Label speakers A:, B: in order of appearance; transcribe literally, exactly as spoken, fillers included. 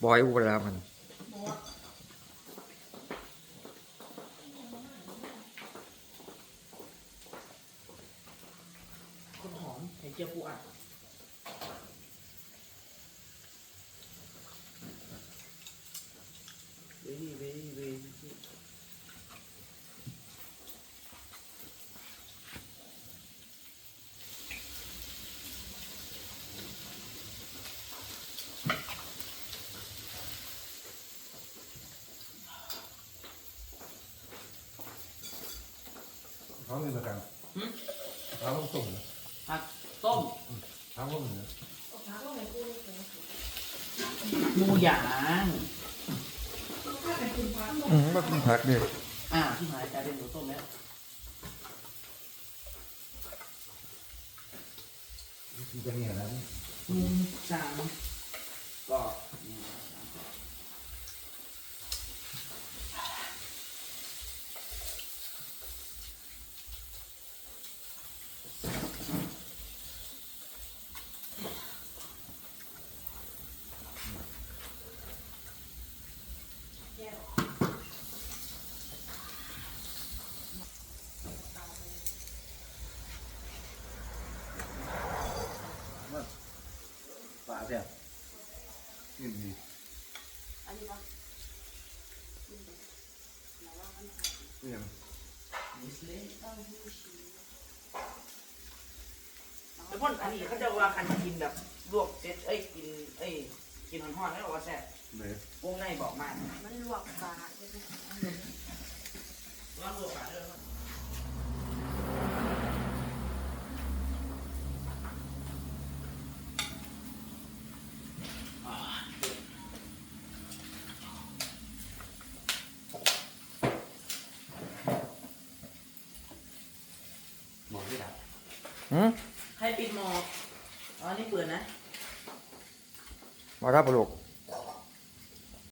A: บอยอูเวลามัน
B: คนหอมไข่เจียวปูอัดเว้ยเว้ยเว้ย
C: เขาเลยมากันเขาต้องส่งนะ
B: ผักต้ม
C: เขาก็เหมือน
B: หมูหยาง
A: อืมมากินผักดิ
B: อ่าที่หายกลายเป็นหมูต้มแล้ว
C: จะเงี้ยนะ
B: หมูสามก็ปลาเสีย
C: กินดี
D: อันนี้ปะ
C: เนี่ย
B: มิสเลแล้วพ่นอันนี้เขาจะว่าคันกินแบบลวกเซ็ตเอ้ยกินเอ้ยกินห่อนๆแล้วบอกว่าแซ่บ
C: เลย
B: วงในบอกมาก
D: มันลวกปลาใช่ไหม
B: ว่าลวกปลาด้วย
C: หมอที่ดับ
A: อืม
B: ใครปิดหมอกอ๋อนี่เปิดนะ
A: มารับปลูก